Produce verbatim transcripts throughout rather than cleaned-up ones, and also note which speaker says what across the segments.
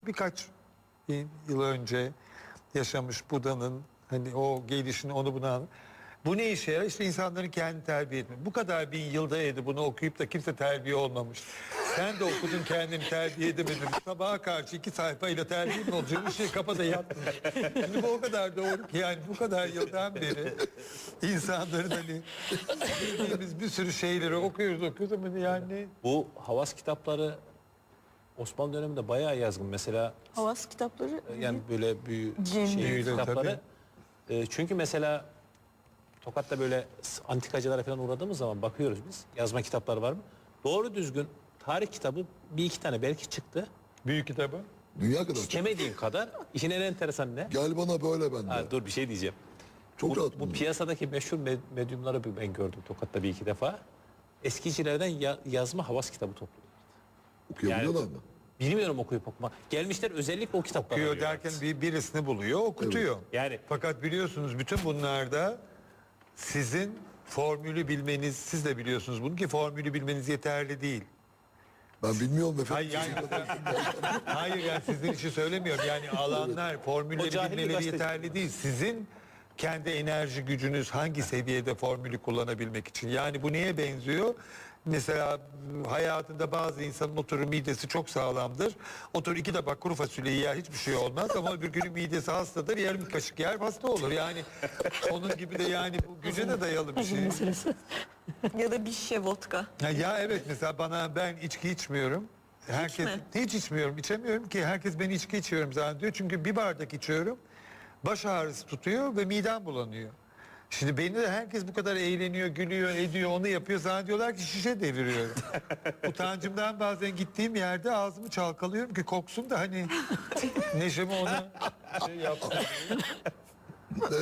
Speaker 1: birkaç yıl önce yaşamış Buda'nın hani o gelişini onu buna bu ne işe yarar? İşte insanların kendini terbiye etmek. Bu kadar bin yılda yedi bunu okuyup da kimse terbiye olmamış. Sen de okudun kendini terbiye edemedin. Sabaha karşı iki sayfayla terbiye mi olacak? Bir şey kafada yattın. Şimdi bu o kadar doğru ki yani bu kadar yıldan beri insanların hani bildiğimiz bir sürü şeyleri okuyoruz okuyoruz ama yani
Speaker 2: Bu Havas kitapları Osmanlı döneminde bayağı yazgın. Mesela
Speaker 3: Havas kitapları
Speaker 2: yani böyle büyü
Speaker 3: Cem
Speaker 2: şey
Speaker 1: büyülü
Speaker 2: kitapları. E, çünkü mesela Tokat'ta böyle antikacılara falan uğradığımız zaman bakıyoruz biz. Yazma kitapları var mı? Doğru düzgün tarih kitabı bir iki tane belki çıktı.
Speaker 1: büyük kitabı.
Speaker 4: Dünya kadar.
Speaker 2: İstemediğim kadar. İşin en enteresan ne?
Speaker 4: Gel bana böyle bende.
Speaker 2: Ha, dur bir şey diyeceğim.
Speaker 4: Çok
Speaker 2: bu,
Speaker 4: rahat
Speaker 2: bu
Speaker 4: bunlar.
Speaker 2: piyasadaki meşhur med- medyumları ben gördüm Tokat'ta bir iki defa. Eskicilerden ya- yazma Havas kitabı topluyorlar.
Speaker 4: Okuyabiliyorlar
Speaker 2: Yani-
Speaker 4: mı?
Speaker 2: Bilmiyorum okuyup okuma. Gelmişler özellikle o kitapları
Speaker 1: Okuyor
Speaker 2: arıyorlar.
Speaker 1: derken bir, birisini buluyor, okutuyor.
Speaker 2: Yani-
Speaker 1: Fakat biliyorsunuz bütün bunlarda sizin formülü bilmeniz, siz de biliyorsunuz bunu ki formülü bilmeniz yeterli değil.
Speaker 4: Ben bilmiyorum efendim.
Speaker 1: Hayır yani, hayır yani sizin için söylemiyorum. Yani alanlar,
Speaker 2: O
Speaker 1: formülleri
Speaker 2: cahil bir
Speaker 1: bilmeleri
Speaker 2: gazeteci.
Speaker 1: yeterli değil. Sizin kendi enerji gücünüz hangi seviyede formülü kullanabilmek için. Yani bu neye benziyor? Mesela hayatında bazı insanın oturur midesi çok sağlamdır. Oturur iki tabak kuru fasulyeyi yer hiçbir şey olmaz ama öbür günün midesi hastadır. Yarım kaşık yer hasta olur. Yani onun gibi de yani bu güce de dayalı bir şey.
Speaker 3: ya da bir şişe vodka.
Speaker 1: Ya, ya evet mesela bana ben içki içmiyorum. Herkes
Speaker 3: mi?
Speaker 1: hiç içmiyorum, içemiyorum ki herkes ben içki içiyorum zannediyor. Çünkü bir bardak içiyorum. Baş ağrısı tutuyor ve midem bulanıyor. Şimdi beni de herkes bu kadar eğleniyor, gülüyor, ediyor, onu yapıyor. Zannediyorlar ki şişe deviriyorum. Utancımdan bazen gittiğim yerde ağzımı çalkalıyorum ki koksun da hani neşemi ona şey yapsın.
Speaker 4: Ee,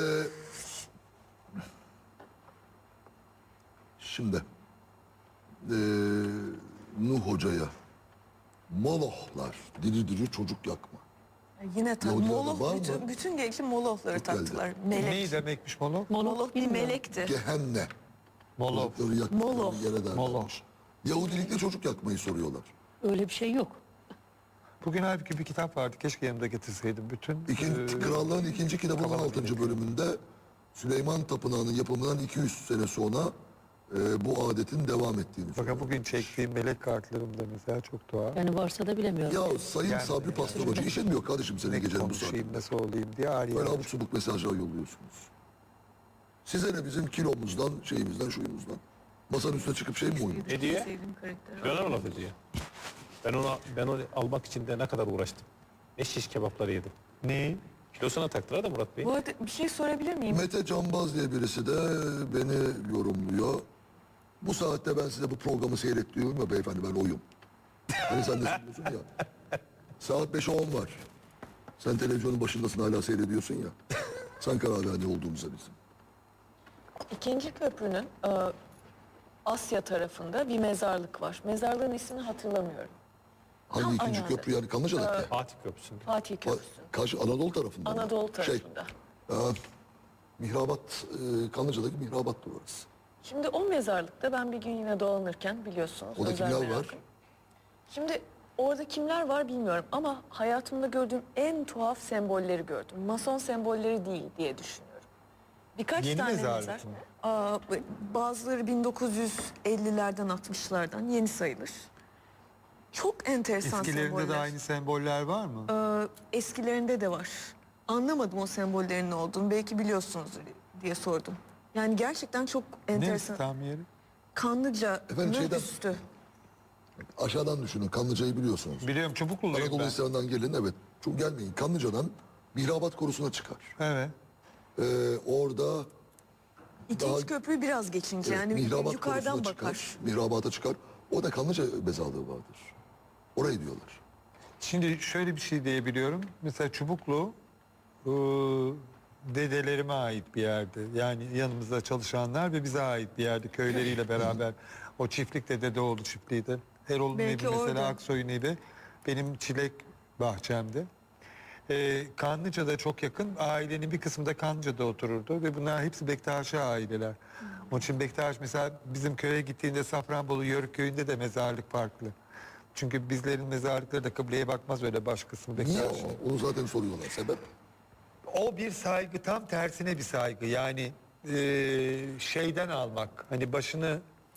Speaker 4: şimdi ee, Nuh Hoca'ya Molochlar diri diri çocuk yakma.
Speaker 3: Yine tabii
Speaker 4: Yahudilerde var
Speaker 3: Moloch,
Speaker 4: mı?
Speaker 3: bütün, bütün gençli Molochları
Speaker 4: Çok geldi.
Speaker 3: taktılar. Melek.
Speaker 1: Ne demekmiş Moloch?
Speaker 3: Moloch bir melekti.
Speaker 4: Gehenne.
Speaker 1: Moloch.
Speaker 4: Çocukları yaktıkları
Speaker 3: Moloch.
Speaker 4: yere derler.
Speaker 1: Moloch.
Speaker 4: Yahudilikle çocuk yakmayı soruyorlar.
Speaker 5: Öyle bir şey yok.
Speaker 1: Bugün halbuki bir kitap vardı. Keşke yanımda getirseydim. Bütün
Speaker 4: İkinci,
Speaker 1: e,
Speaker 4: Krallığın ikinci kitabının
Speaker 1: Kafalar
Speaker 4: altıncı
Speaker 1: gerekiyor.
Speaker 4: bölümünde Süleyman Tapınağı'nın yapımından iki yüz sene sonra e, bu adetin devam ettiğini söylüyor.
Speaker 1: Fakat bugün çektiğim melek kartlarımda mesela çok tuhaf.
Speaker 5: Yani varsa da bilemiyorum.
Speaker 4: Ya Sayın
Speaker 1: Yani-
Speaker 4: Sabri Pastör Hoca işemiyor kardeşim senin
Speaker 1: Ne
Speaker 4: gecenin bu saati.
Speaker 1: konuşayım, nasıl olayım diye arıyor.
Speaker 4: Böyle abuk subuk mesajlar yolluyorsunuz. Size ne bizim kilomuzdan, şeyimizden, şuyumuzdan. Masanın üstüne çıkıp şey mi oynuyor?
Speaker 2: Ne diyor?
Speaker 3: Sevdiğim karakter.
Speaker 2: Bana mı laf ediyor? Ben ona ben onu almak için de ne kadar uğraştım. Ne şiş kebapları yedim.
Speaker 1: Ne?
Speaker 2: Kilosuna taktılar da Murat Bey.
Speaker 3: Bu arada bir şey sorabilir miyim?
Speaker 4: Mete Canbaz diye birisi de beni yorumluyor. Bu saatte ben size bu programı seyret diyorum ya beyefendi ben oyum. Hani sen de söylüyorsun ya. Saat beşe on var. Sen televizyonun başındasın hala seyrediyorsun ya. Sen karar ver ne olduğumuza bizim.
Speaker 3: İkinci köprünün e, Asya tarafında bir mezarlık var. Mezarlığın ismini hatırlamıyorum.
Speaker 4: Hangi
Speaker 3: Tam
Speaker 4: ikinci
Speaker 3: ayağında.
Speaker 4: köprü yani Kanlıca'daki?
Speaker 2: Fatih Köprüsü'nde.
Speaker 3: Fatih
Speaker 4: Ha,
Speaker 3: Köprüsü.
Speaker 4: Karşı Anadolu tarafında mı?
Speaker 3: Anadolu
Speaker 4: Şey,
Speaker 3: tarafında.
Speaker 4: e, Mihrabat, e, Kanlıca'daki Mihrabat'tı orası.
Speaker 3: Şimdi o mezarlıkta ben bir gün yine dolanırken biliyorsunuz.
Speaker 4: Orada
Speaker 3: özel
Speaker 4: kimler
Speaker 3: merakım.
Speaker 4: var?
Speaker 3: Şimdi orada kimler var bilmiyorum ama hayatımda gördüğüm en tuhaf sembolleri gördüm. Mason sembolleri değil diye düşünüyorum. Birkaç
Speaker 1: Yeni
Speaker 3: tane
Speaker 1: mezarlık
Speaker 3: mezar.
Speaker 1: mı?
Speaker 3: Aa, bazıları bin dokuz yüz ellilerden altmışlardan yeni sayılır. Çok enteresan
Speaker 1: Eskilerinde
Speaker 3: semboller.
Speaker 1: de aynı semboller var mı?
Speaker 3: Ee, eskilerinde de var. Anlamadım o sembollerin ne olduğunu. Belki biliyorsunuzdur diye sordum. Yani gerçekten çok
Speaker 1: Ne
Speaker 3: enteresan.
Speaker 1: tam yeri?
Speaker 3: Kanlıca'nın
Speaker 4: Efendim şeyden-
Speaker 3: üstü.
Speaker 4: Aşağıdan düşünün Kanlıca'yı biliyorsunuz.
Speaker 1: Biliyorum Çubukluluyum
Speaker 4: Anadolu
Speaker 1: ben.
Speaker 4: Hisarı'ndan gelin evet. Çok gelmeyin. Kanlıca'dan Mihrabat Korusu'na çıkar.
Speaker 1: Evet.
Speaker 4: Ee, orada
Speaker 3: İkinci
Speaker 4: Daha-
Speaker 3: köprüyü biraz geçince yani
Speaker 4: Mihrabat
Speaker 3: yukarıdan
Speaker 4: Korusu'na
Speaker 3: bakar.
Speaker 4: çıkar. Mihrabata çıkar. Orada Kanlıca mezarlığı vardır. Orayı diyorlar.
Speaker 1: Şimdi şöyle bir şey diyebiliyorum. Mesela Çubuklu ıı, dedelerime ait bir yerde. Yani yanımızda çalışanlar ve bize ait bir yerde köyleriyle beraber. O çiftlik de Dedeoğlu çiftliğiydi. Erol'un evi
Speaker 3: Belki
Speaker 1: mesela
Speaker 3: orada.
Speaker 1: Aksoy'un evi. Benim çilek bahçemdi. Ee, Kanlıca'da çok yakın. Ailenin bir kısmı da Kanlıca'da otururdu ve bunlar hepsi Bektaşi aileler. Onun için Bektaş mesela bizim köye gittiğinde Safranbolu Yörük köyünde de mezarlık farklı. Çünkü bizlerin mezarlıkları da kıbleye bakmaz, öyle baş kısmı
Speaker 4: Niye
Speaker 1: bekler.
Speaker 4: o? Onu zaten soruyorlar. Sebep?
Speaker 1: O bir saygı, tam tersine bir saygı. Yani e, şeyden almak, hani başını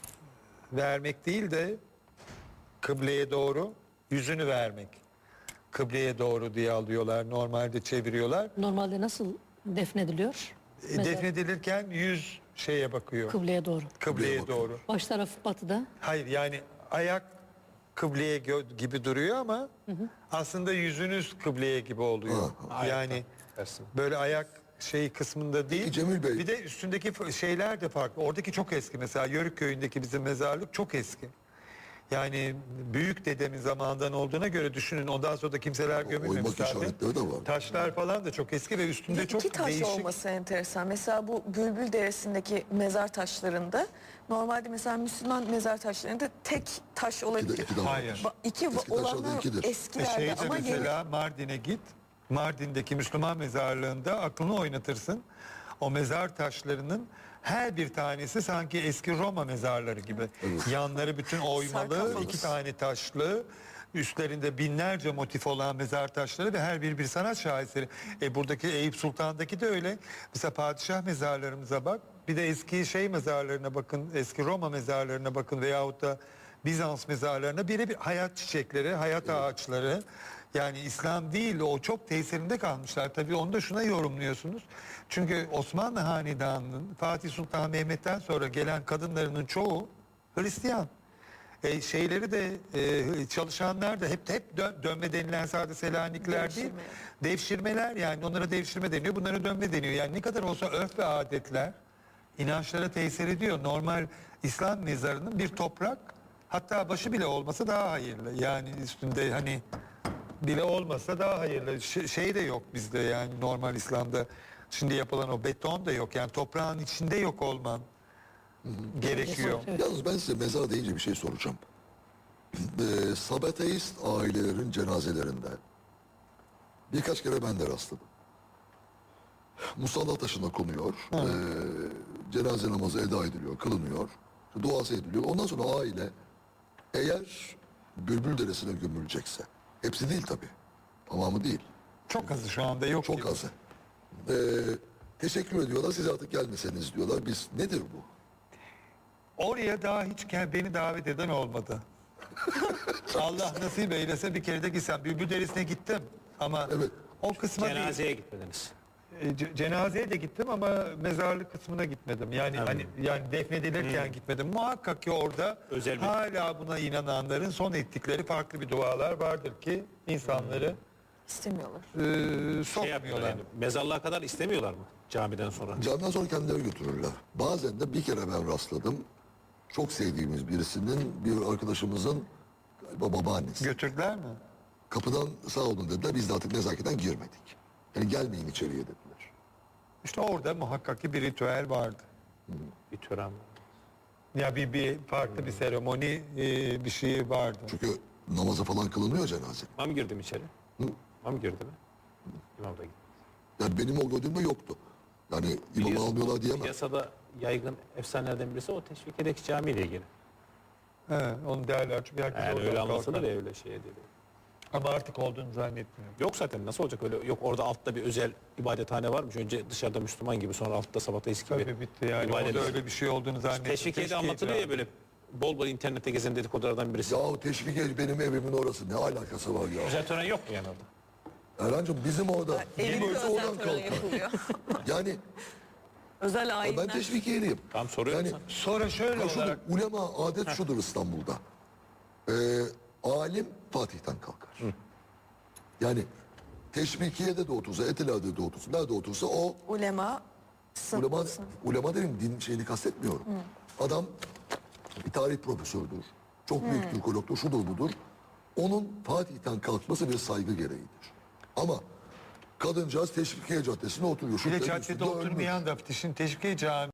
Speaker 1: vermek değil de kıbleye doğru yüzünü vermek. Kıbleye doğru diye alıyorlar, normalde çeviriyorlar.
Speaker 5: Normalde nasıl defnediliyor?
Speaker 1: E,
Speaker 5: Mezar
Speaker 1: defnedilirken yüz şeye bakıyor,
Speaker 5: kıbleye doğru.
Speaker 1: kıbleye
Speaker 4: bakıyor.
Speaker 1: doğru.
Speaker 5: Baş tarafı batıda.
Speaker 1: Hayır, yani ayak kıbleye gö- gibi duruyor ama aslında yüzünüz kıbleye gibi oluyor. Yani
Speaker 2: Tersine.
Speaker 1: böyle ayak şey kısmında değil.
Speaker 4: Peki Cemil Bey.
Speaker 1: Bir de üstündeki f- şeyler de farklı. Oradaki çok eski, mesela Yörük köyündeki bizim mezarlık çok eski. Yani büyük dedemin zamanından olduğuna göre düşünün, ondan sonra da kimseler gömülmemiş
Speaker 4: oymak
Speaker 1: zaten.
Speaker 4: işaretleri de var.
Speaker 1: Taşlar falan da çok eski ve üstünde
Speaker 3: Bir
Speaker 1: çok
Speaker 3: iki taş
Speaker 1: değişik.
Speaker 3: olması enteresan. Mesela bu Bülbül Deresi'ndeki mezar taşlarında normalde mesela Müslüman mezar taşlarında tek taş
Speaker 4: İki de,
Speaker 3: olabilir.
Speaker 4: iki de var.
Speaker 1: Hayır.
Speaker 3: Ba- İki
Speaker 4: Eski taşlarda
Speaker 3: olanlar
Speaker 4: ikidir.
Speaker 1: E
Speaker 3: eskilerde
Speaker 1: şeyde
Speaker 3: ama yeni.
Speaker 1: mesela Mardin'e git. Mardin'deki Müslüman mezarlığında aklını oynatırsın. O mezar taşlarının her bir tanesi sanki eski Roma mezarları gibi. Yanları bütün oymalı,
Speaker 3: Sarkofagos.
Speaker 1: iki tane taşlı. Üstlerinde binlerce motif olan mezar taşları ve her biri bir sanat şaheseri. E buradaki Eyüp Sultan'daki de öyle. Mesela padişah mezarlarımıza bak. Bir de eski şey mezarlarına bakın, eski Roma mezarlarına bakın veyahut da Bizans mezarlarına, birebir hayat çiçekleri, hayat ağaçları. Yani İslam değil, o çok tesirinde kalmışlar. Tabii onu da şuna yorumluyorsunuz. Çünkü Osmanlı Hanedanı'nın Fatih Sultan Mehmet'ten sonra gelen kadınlarının çoğu Hristiyan. E, şeyleri de e, çalışanlar da hep hep dön- dönme denilen sadece Selanikler değil.
Speaker 3: Devşirme.
Speaker 1: Devşirmeler, yani onlara devşirme deniyor, bunlara dönme deniyor. Yani ne kadar olsa örf ve adetler inançlara tesir ediyor. Normal İslam mezarının bir toprak, hatta başı bile olmasa daha hayırlı. Yani üstünde hani bile olmasa daha hayırlı. Ş- şey de yok bizde, yani normal İslam'da şimdi yapılan o beton da yok. Yani toprağın içinde yok olman gerekiyor.
Speaker 4: Yalnız ben size mezar deyince bir şey soracağım. Ee, Sabateist ailelerin cenazelerinde birkaç kere ben de rastladım. Musalla taşına konuyor. ee, cenaze namazı eda ediliyor, kılınıyor. Duası ediliyor. Ondan sonra aile eğer Bülbül Deresi'ne gömülecekse, hepsi değil tabii, tamamı değil,
Speaker 1: Çok azı şu anda yok.
Speaker 4: çok
Speaker 1: gibi.
Speaker 4: azı. Ee, teşekkür ediyorlar, siz artık gelmeseniz diyorlar. Biz, nedir bu?
Speaker 1: Oraya daha hiç ke- beni davet eden olmadı. Allah nasip eylese bir kere de gitsem. Bülbül Deresi'ne gittim ama
Speaker 4: Evet.
Speaker 1: o kısma değil.
Speaker 2: Cenazeye gitmediniz.
Speaker 1: E, ce- cenazeye de gittim ama mezarlık kısmına gitmedim. Yani hani yani defnedilirken gitmedim. Muhakkak ki orada
Speaker 2: Özel bir-
Speaker 1: hala buna inananların son ettikleri farklı bir dualar vardır ki insanları
Speaker 3: İstemiyorlar.
Speaker 1: e,
Speaker 2: Şey yapıyorlar
Speaker 1: sokmuyorlar.
Speaker 2: yani, mezarlığa kadar istemiyorlar mı camiden sonra?
Speaker 4: Camdan sonra kendileri götürürler. Bazen de bir kere ben rastladım. Çok sevdiğimiz birisinin, bir arkadaşımızın galiba babaannesi.
Speaker 1: Götürdüler mi?
Speaker 4: Kapıdan sağ olun dediler. Biz de artık nezaketen girmedik. Yani gelmeyin içeriye dediler.
Speaker 1: İşte orada muhakkak ki bir ritüel vardı.
Speaker 2: Bir tören var.
Speaker 1: Ya bir, bir farklı bir seremoni, e, bir şey vardı.
Speaker 4: Çünkü namazı falan kılınıyor cenaze.
Speaker 2: İmam girdi mi içeri?
Speaker 4: Hı?
Speaker 2: İmam girdi mi? İmam da gitti.
Speaker 4: Yani benim o gördüğümde yoktu. Yani imamı
Speaker 2: Biliyorsun,
Speaker 4: almıyorlar diyemem.
Speaker 2: Piyasada yaygın efsanelerden birisi o Teşvikiye'deki camiyle ilgili.
Speaker 1: He, onu değerler çünkü herkes
Speaker 2: Yani
Speaker 1: oradan
Speaker 2: öyle anlatılır
Speaker 1: kalkar.
Speaker 2: ya, öyle şeye değil.
Speaker 1: Ama artık olduğunu zannetmiyorum.
Speaker 2: Yok zaten, nasıl olacak öyle? Yok, orada altta bir özel ibadethane varmış. Önce dışarıda Müslüman gibi, sonra altta Sabateist gibi.
Speaker 1: Tabii bitti yani.
Speaker 2: ibadet-
Speaker 1: Orada öyle bir şey olduğunu zannetmiyorum.
Speaker 2: Teşvikiye'de anlatılıyor ya, böyle bol bol internette gezen dedikodulardan birisi.
Speaker 4: Yahu teşvik benim evimin orası. Ne alakası var ya?
Speaker 2: Özel tören yok mu yani orada?
Speaker 4: Erhan'cığım bizim orada.
Speaker 3: Evinde
Speaker 4: Kim ölse
Speaker 3: özel
Speaker 4: oradan
Speaker 3: tören
Speaker 4: kalkar.
Speaker 3: yapılıyor.
Speaker 4: Yani
Speaker 3: Özel
Speaker 4: ben
Speaker 3: ayinler.
Speaker 4: teşvikiyeliyim.
Speaker 2: Tamam, soruyorum
Speaker 4: Yani
Speaker 2: sana.
Speaker 1: Sonra şöyle
Speaker 4: Ha, şudur,
Speaker 1: olarak
Speaker 4: ulema adet şudur İstanbul'da. Ee, alim Fatih'ten kalkar. Yani Teşvikiye'de de otursa, Etiler'de de otursa, nerede otursa o
Speaker 3: Ulema sınıf.
Speaker 4: ulema, ulema dedim din şeyini kastetmiyorum. Adam bir tarih profesördür. Çok büyük Türkologdur, şudur budur. Onun Fatih'ten kalkması bir saygı gereğidir. Ama kadıncağız Teşvikiye Caddesi'ne oturuyor.
Speaker 1: bir de
Speaker 4: Şükrü
Speaker 1: caddede
Speaker 4: üstünde ölmüş.
Speaker 1: oturmayan da şimdi Teşvikiye Camii